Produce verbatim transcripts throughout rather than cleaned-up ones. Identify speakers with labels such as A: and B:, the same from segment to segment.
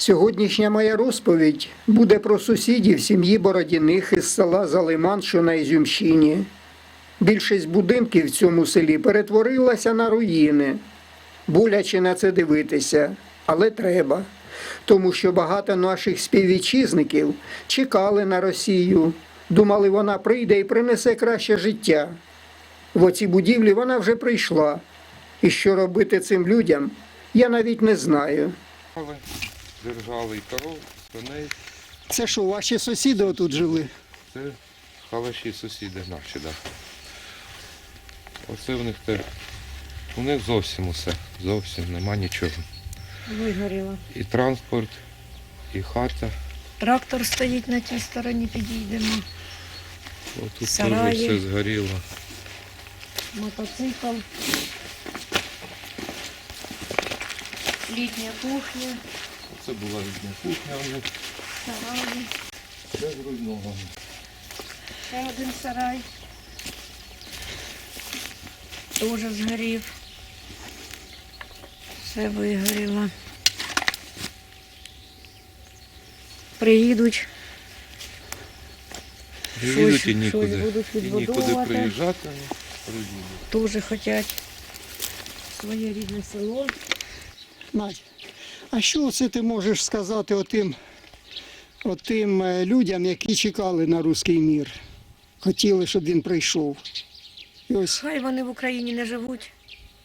A: Сьогоднішня моя розповідь буде про сусідів сім'ї Бородіних із села Залиман, що на Ізюмщині. Більшість будинків в цьому селі перетворилася на руїни. Боляче на це дивитися, але треба. Тому що багато наших співвітчизників чекали на Росію, думали, вона прийде і принесе краще життя. В оці будівлі вона вже прийшла. І що робити цим людям, я навіть не знаю.
B: Держали і коров, коней.
A: Це що, ваші сусіди отут жили?
B: Це халаші сусіди наші, так. Да. Оце в них те, у них зовсім усе, зовсім нема нічого.
C: Вигоріло.
B: І транспорт, і хата.
C: Трактор стоїть на тій стороні, підійдемо.
B: Отут теж
C: Сараї.
B: все згоріло.
C: Мотоцикл. Літня кухня.
B: Це була рідна кухня у них.
C: Сараї.
B: Все зруйновано.
C: Ще один сарай. Теж згорів. Все вигоріло. Приїдуть.
B: Приїдуть
C: Щось-
B: і нікуди.
C: щось будуть
B: І нікуди
C: відбудовувати.
B: приїжджати, ну, приїдуть.
C: Теж хочуть своє рідне село.
A: Надь, а що це ти можеш сказати отим, отим е, людям, які чекали на руський мір? Хотіли, щоб він прийшов. І ось
C: Хай вони в Україні не живуть.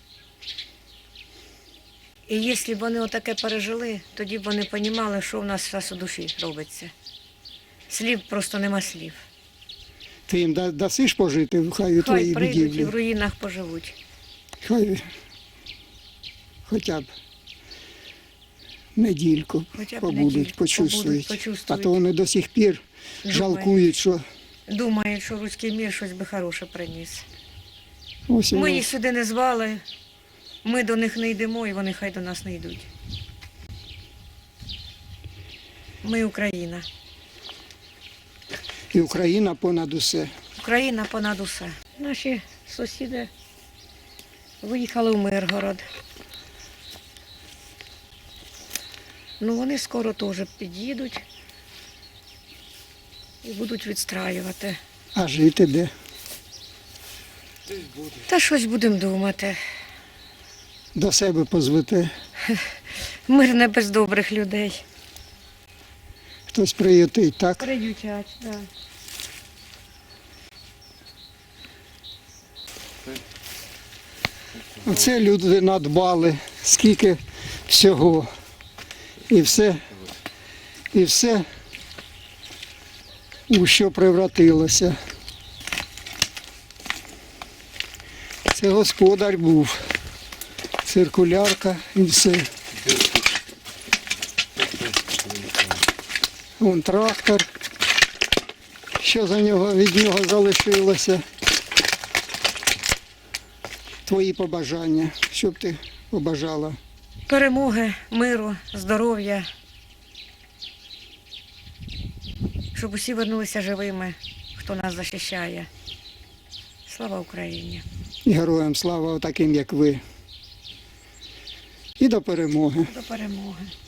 C: І якщо б вони отаке пережили, тоді б вони розуміли, що в нас зараз у душі робиться. Слів просто нема слів.
A: ти їм да- дасиш пожити, хай у
C: Хай
A: твоїй
C: прийдуть і в
A: будівлі.
C: руїнах поживуть.
A: Хай хоча б недільку
C: Хоча б
A: побудуть,
C: недільку
A: почувствують.
C: побудуть,
A: А
C: почувствують.
A: то вони до сих пір
C: Думають.
A: жалкують, що
C: Думають, що руський мір щось би хороше приніс.
A: ось
C: Ми
A: воно.
C: їх сюди не звали, ми до них не йдемо, і вони хай до нас не йдуть. Ми Україна.
A: І Україна понад усе.
C: Україна понад усе. Наші сусіди виїхали в Миргород. Ну, вони скоро теж під'їдуть і будуть відстраювати.
A: А жити де?
B: Десь буде.
C: Та щось будемо думати.
A: До себе позвете.
C: Мир не без добрих людей.
A: Хтось приютить, так?
C: Приютять, так.
A: Оце люди надбали, скільки всього. І все, і все у що превратилося. Це господар був. Циркулярка і все. Вон трактор. Що за нього, від нього залишилося? Твої побажання. Що б ти побажала?
C: Перемоги, миру, здоров'я. Щоб усі вернулися живими, хто нас захищає. Слава Україні!
A: І героям слава таким, як ви. І до перемоги.
C: До перемоги.